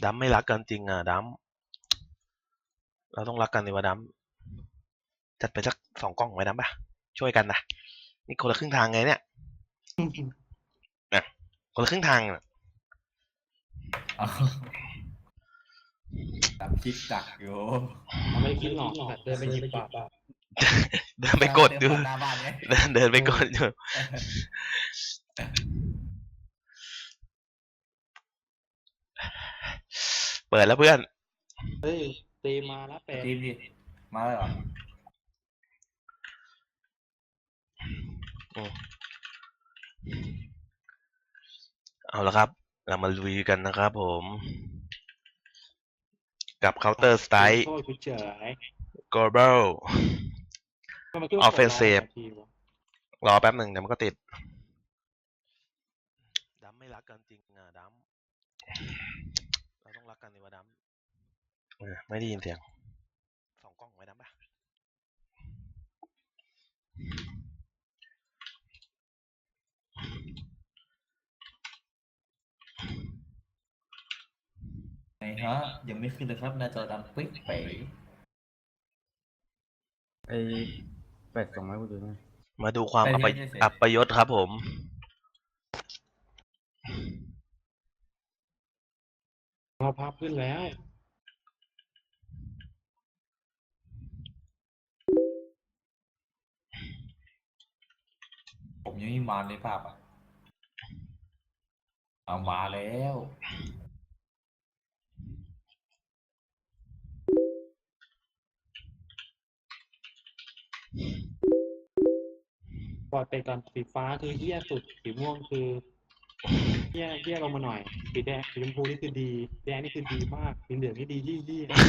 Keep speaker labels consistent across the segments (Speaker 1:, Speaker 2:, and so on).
Speaker 1: ดัมไม่รักกันจริงอ่ะดัมเราต้องรักกันดิวะดัมจัดไปสัก2 กล่องไว้ดัมป่ะช่วยกันนะนี่คนละครึ่งทางไงเนี่ยนะคนละครึ่งทางนะ
Speaker 2: ตามคิดจักอยู่
Speaker 3: ไม่ได้คิดหรอกเดินไปหยิบปาก
Speaker 1: เดินไปกดดู
Speaker 2: หน้าบ้านไง
Speaker 1: เดินไปกดอยู่เปิดแล้วเพื่อน
Speaker 3: เฮ้ยตีมาแล้วเป็ด
Speaker 2: ทีมดิมาเลยเหรอ
Speaker 1: เอาละครับเรามาลุยกันนะครับผมกับ Counter Strike
Speaker 3: โทษกูเฉย
Speaker 1: Global
Speaker 3: ทำไมคิดว่า
Speaker 1: Offensive
Speaker 3: ทีวะ
Speaker 1: รอแป๊บหนึ่งเดี๋ยวมันก็ติดดัมไม่รักกันจริงอ่ะดัมเราต้องรักกันดิวะดัมไม่ได้ยินเสียง2 กล่องไว้ดัมป่ะ
Speaker 2: ไหนฮะยังไม่ขึ้นเลยครับหน้าจอดำปิ๊กเป๋
Speaker 4: ไอ้เป็ดส่งมาให้กูดูหน่อย
Speaker 1: มาดูความอัปยศครับผม
Speaker 3: เราภาพขึ้นแล้ว
Speaker 2: ผมยังไม่มาเลยภาพอ่ะเอามาแล้ว
Speaker 3: ปล่อยไปก่อนสีฟ้าคือเหี้ยสุดสีม่วงคือเหี้ยลงมาหน่อยสีแดงสีชมพูนี่คือดีแดงนี่คือดีมากสีเหลืองนี่ดียี่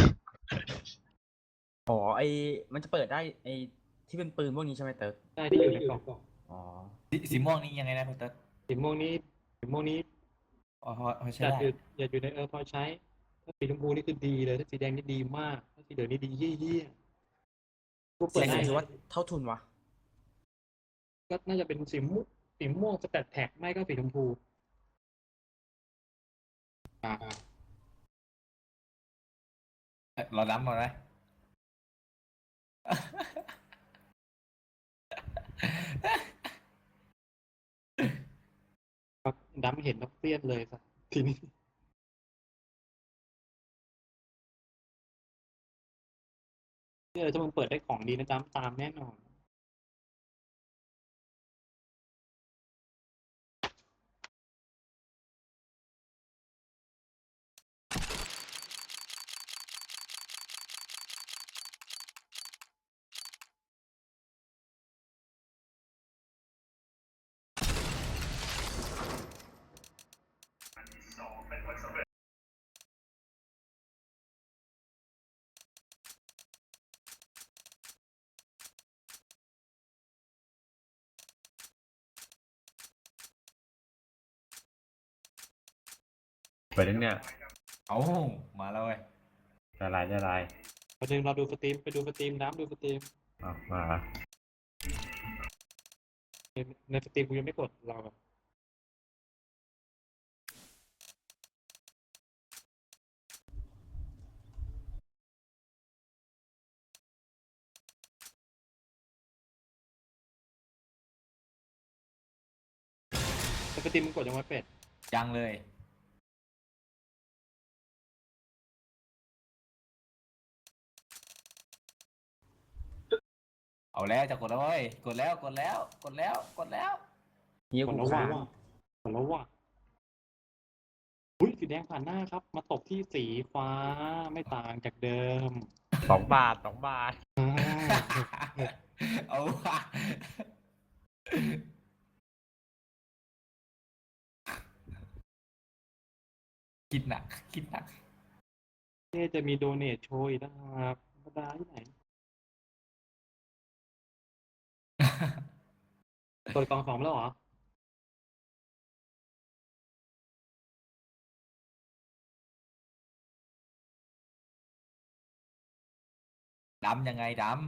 Speaker 4: อ๋อไอ้มันจะเปิดได้ไอ้ที่เป็นปืนพวกนี้ใช่ไหมเติร์ก
Speaker 3: ได้ที่อยู่ในกล่อง
Speaker 4: อ๋อ
Speaker 2: สีม่วงนี่ยังไงนะคุณเติ๊ก
Speaker 3: สีม่วงนี้
Speaker 2: อ๋อพอใช้
Speaker 3: จะ
Speaker 2: ได้
Speaker 3: อยู่ในพอใช้ถ้าสีชมพูนี่คือดีเลยถ้าสีแดงนี่ดีมากถ้าสีเหลืองนี่ดียี่กูเปิด
Speaker 4: สี
Speaker 3: ได้
Speaker 4: ถือว่าเท่าทุนวะ
Speaker 3: ก็น่าจะเป็นสีม่วงสแตทแท็กไม่ก็สีชมพู
Speaker 2: เราดำมาไหม
Speaker 3: ดำเห็นแล้วเครียดเลยสักทีนี้ถ้ามึงเปิดได้ของดีนะจ๊ะตามแน่นอน
Speaker 4: เปิดเนี่ย
Speaker 2: เอามาแล้วเว้ย
Speaker 4: ละลายละลาย
Speaker 3: ประเด็นเราดูสตรีมไปดูสตรีมน้ำดูสตรีม
Speaker 4: มา
Speaker 3: ในสตรีมกูยังไม่กดเราแบบในสตรีมมึงกดยังไงเป็ด
Speaker 2: ยังเลยเอาแล้วจะกดแล้วเว้ยกดแล้ว
Speaker 4: เยี่ย
Speaker 3: ก
Speaker 4: กู
Speaker 3: ดแล้ว
Speaker 4: ค้า
Speaker 3: ว่ะกดแล้วว่ะอุ้ยสีแดงผ่านหน้าครับ มาตกที่สีฟ้าไม่ต่างจากเดิม
Speaker 4: 2 บาท
Speaker 3: อ่า
Speaker 2: เอาว่ะคิดหนัก
Speaker 3: เนี่ยจะมีโดเนทโชยอีกนะครับธรรมดาที่ไหนเปิดกล่อง2แล้วเหรอ
Speaker 2: ดำยังไงดำ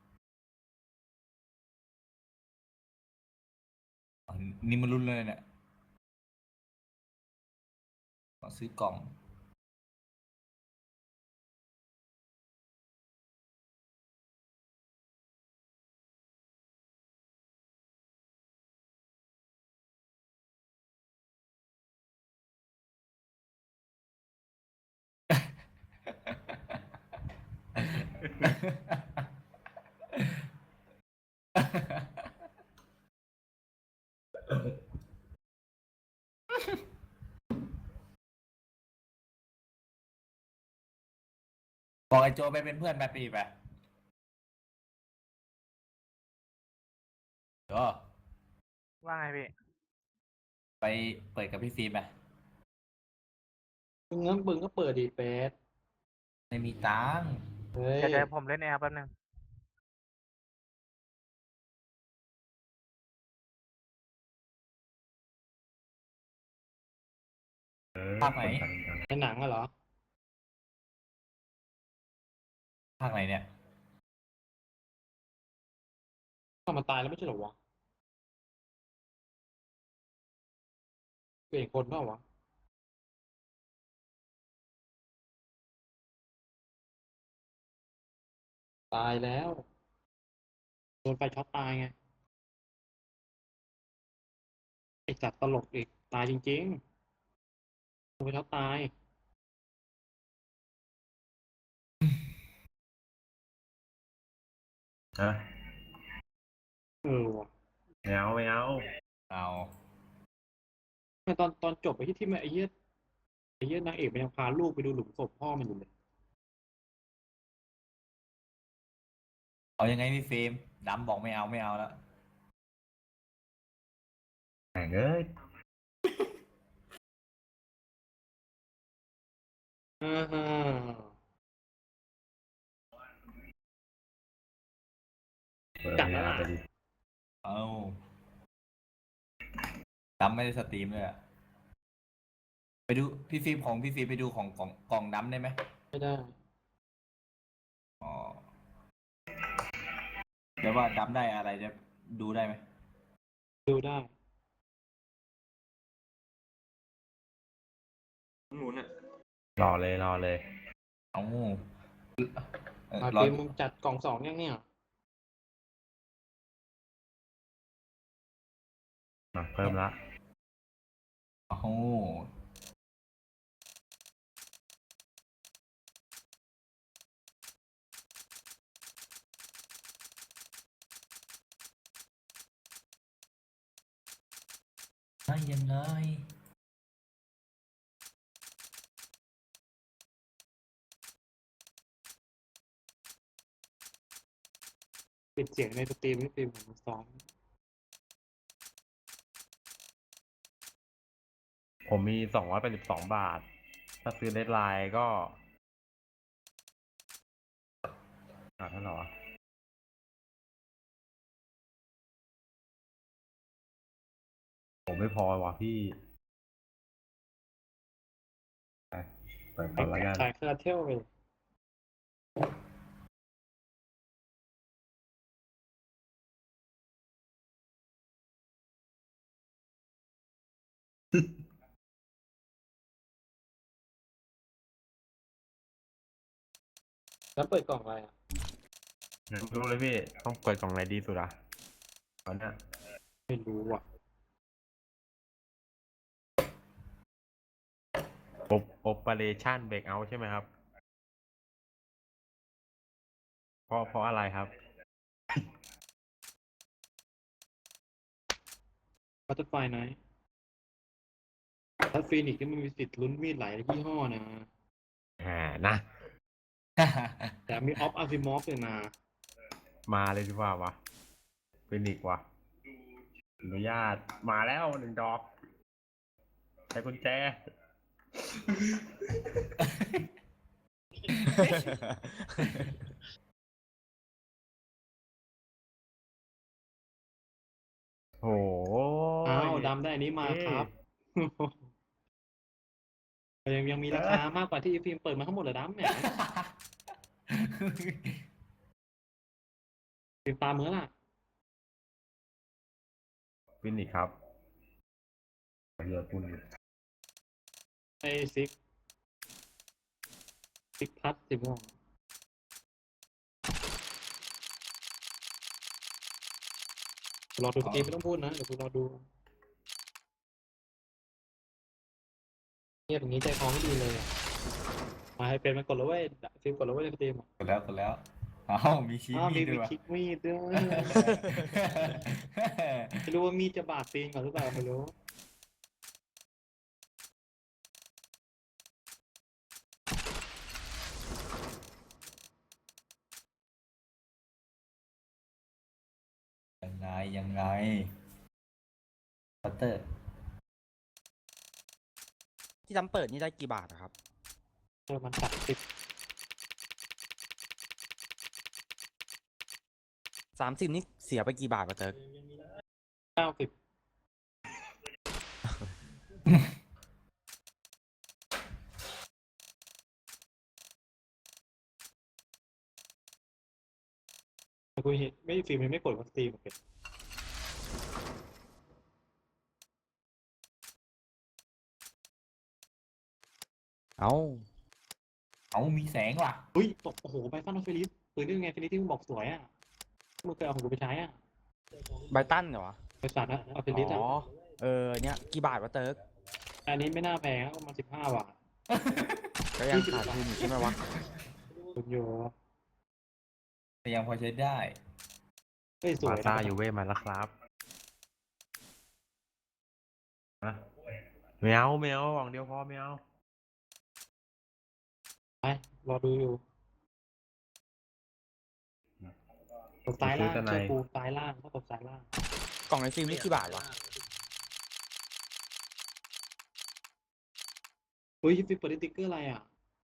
Speaker 2: อ๋อนี่มันรุนเลยเนี่ยขอซื้อกล่องบอกไอ้โจไปเป็นเพื่อนแบบปีไปก็
Speaker 5: ว่าไงพี่
Speaker 2: ไปเปิดกับพี่ฟิล์มไป
Speaker 3: มึงก็เปิดดีเฟส
Speaker 2: ไม่มีตังค์
Speaker 3: เฮ้ย
Speaker 5: เดี๋ยวผมเล่นแอร์แป๊บนึง
Speaker 2: ภาคไหน
Speaker 3: ในหนังอะเหรอ
Speaker 2: ภาคไหนเนี่ย
Speaker 3: ถ้ามันตายแล้วไม่ใช่เหรอวะเปลี่ยนคนเปล่าวะตายแล้วโดนไฟช็อตตายไงไอ้จัดตลกอีกตายจริงๆโดนไฟช็อตตาย
Speaker 6: ฮะ
Speaker 3: ว่ะ
Speaker 6: ไม่เอาไม่เอา
Speaker 2: เอา
Speaker 3: ไม่ตอนจบไอ้ที่มันไอ้เหี้ยนางเอกมันยังพาลูกไปดูหลุมศพพ่อมันอยู่เลย
Speaker 2: เอายังไงพี่ฟิล์มดำบอกไม่เอาไม่เอาแล้ว
Speaker 6: แหงเอ้ย
Speaker 3: อ่าฮะ
Speaker 6: เปิดเวลาไปดิ
Speaker 2: เอาดำไม่ได้สตรีมเลยอะไปดูพี่ฟิล์มของพี่ฟิล์มไปดูของกล่องดำได้ไหม
Speaker 3: ไม่ได้
Speaker 2: อ๋อเดี๋ยวว่าดำได้อะไรจะดูได้ไหม
Speaker 3: ดูได้
Speaker 6: รอเลยรอเลย
Speaker 2: เอาเออ
Speaker 3: มา
Speaker 2: รอ
Speaker 3: ปีมึงจัดกล่องสองยังเนี่ย
Speaker 6: เพิ่มละ
Speaker 2: เอาได้ยังไง
Speaker 3: ปิดเสียงในสตรีมไม่ปีผมซ้อม
Speaker 6: ผมมี282 บาท ถ้าซื้อเน็ตไลน์ก็เท่าไหร่วะผมไม่พอว่ะพี่ไปเปิดก่อนแล้วกัน
Speaker 3: จ่ายค่าเที่ยวไป แล้วเปิดกล่องอะไรอ่ะ
Speaker 6: รู้เลยพี่ ต้องเปิดกล่องไหนดีสุดอ่ะตอนเนี้ย
Speaker 3: ไม่รู้อ่ะ
Speaker 6: Operation Breakout ใช่ไหมครับ เพราะอะไรครับ
Speaker 3: บัตเตอร์ไฟไนท์ถ้าฟีนิกซ์นี่มันมีสิทธิ์ลุ้นมีดหลายยี่ห้อนะ
Speaker 6: นะ
Speaker 3: แต่มีออฟอาร์ซิมอฟเลยนะ
Speaker 6: มาเลยดีกว่าวะเป็นอีกว่ะอนุญาตมาแล้ว1 ดอกใช้กุญแจ โอ้ย
Speaker 3: อ้าวดำได้อันนี้มาครับ ยังมีราคามากกว่าที่ฟิล์มเปิดมาทั้งหมดเหรอดำเนี่ยฟิล์มตามมือล่ะ
Speaker 6: ฟินิกครับเรือคุณ
Speaker 3: ไอซิกพัดสิม่วงรอดูสตรีมไม่ต้องพูดนะเดี๋ยวกูรอดูเงียบอย่างนี้ใจคอไม่ดีเลยอะมาให้เป็นมันกดแล้วเว้ยฟิล์มกดแล้วเว้ยในสตรีมอะ
Speaker 2: กดแล้วเอ้ามีชี้
Speaker 3: อ้าว
Speaker 2: มี
Speaker 3: มี
Speaker 2: ดด้วยวะ
Speaker 3: คลิกมีดด้วยไม่รู้ว่ามีดจะบาดตีนก่อนหรือเปล่าไม่รู้
Speaker 2: ยังไงปัตเตอร์
Speaker 4: ที่ทำเปิดนี่ได้กี่บาทอะครับ
Speaker 3: มัน30
Speaker 4: 30นี่เสียไปกี่บาทวะเติร์ก
Speaker 3: 90แต่กูเห็นไม่ฟิล์มยังไม่กดว่าสตรีมโอเค
Speaker 4: เอ้า
Speaker 2: เอามีแสงว่ะ
Speaker 3: เฮ้ยตกโอ้โหไบตันออฟฟิลิสปืนนี่ไงฟิลิสที่มึงบอกสวยอ่ะมึงเคยเอาของกูไปใช้อ่ะ
Speaker 4: ไบตันเหรอวะ
Speaker 3: บริษัทนะออฟฟิลิสอ่ะ
Speaker 4: อ๋อ เนี่ยกี่บาทวะเติร์ก
Speaker 3: อันนี้ไม่น่าแพงนะประมาณ15 บาท
Speaker 4: ก็ยังขาดทุนอยู่ใช่ไหมวะ
Speaker 3: คุณโย
Speaker 2: แต่ยังพอใช้ได้
Speaker 3: เฮ้ยสวย
Speaker 6: บา
Speaker 3: นะ
Speaker 6: ซ่ายูเว่มาแล้วครับนะไม่เอากล่องเดียวพอไม่เอา
Speaker 3: ไปรอดูอยู่ตบซ้ายล่าง
Speaker 6: ซื้อแต่ใน
Speaker 3: เชื่อกูซ้ายล่างต้องตบซ้ายล่าง
Speaker 4: กล่องในฟิล์มนี่กี่บาทวะ
Speaker 3: เฮ้ยฟิปเปิดติ๊กเกอร์อะไรอ่ะ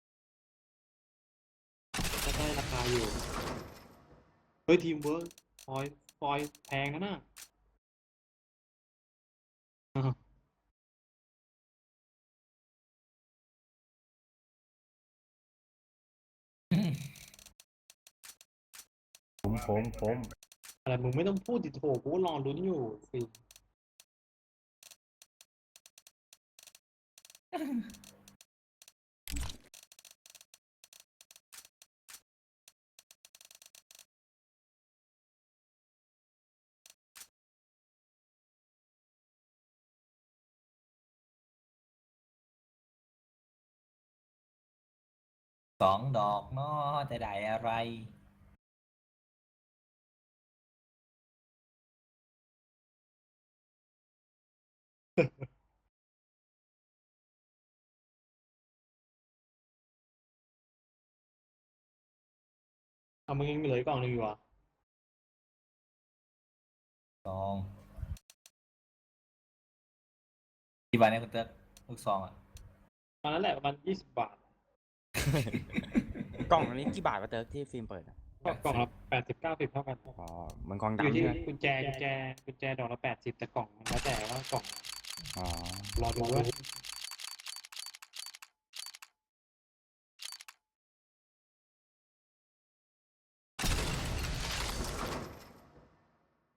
Speaker 3: ก็ได้ราคาอยู่เฮ้ยทีมเวิร์กฟอยแพงนะน่ะอ้าว
Speaker 6: ผม
Speaker 3: อะไรมึงไม่ต้องพูดดิโถกูก็รอลุ้นอยู่สิ
Speaker 2: 2 ดอกเนาะจะได้อะไร
Speaker 3: เอามึงยังเหลืออีกกล่องหนึงอยู่อ่ะ
Speaker 2: ซองกี่บาทเนี่ยคุณเติ๊กลูกซองอ่ะ
Speaker 3: ตอนนั้นแหละประมาณ20 บาท
Speaker 4: กล่องอันนี้กี่บาทวะเติร์กที่ฟิล์มเปิดอะ
Speaker 3: ก็กล่องละ80-90เท่ากัน
Speaker 4: อ๋อเหมือนกล่อง
Speaker 3: อยู่
Speaker 4: ดำ
Speaker 3: ที่
Speaker 4: ใช่ไหม
Speaker 3: กุญแจดอกละ80แต่กล่องมันแล้วแต่ว่ากล่อง
Speaker 4: อ๋อ
Speaker 3: รอดูว่า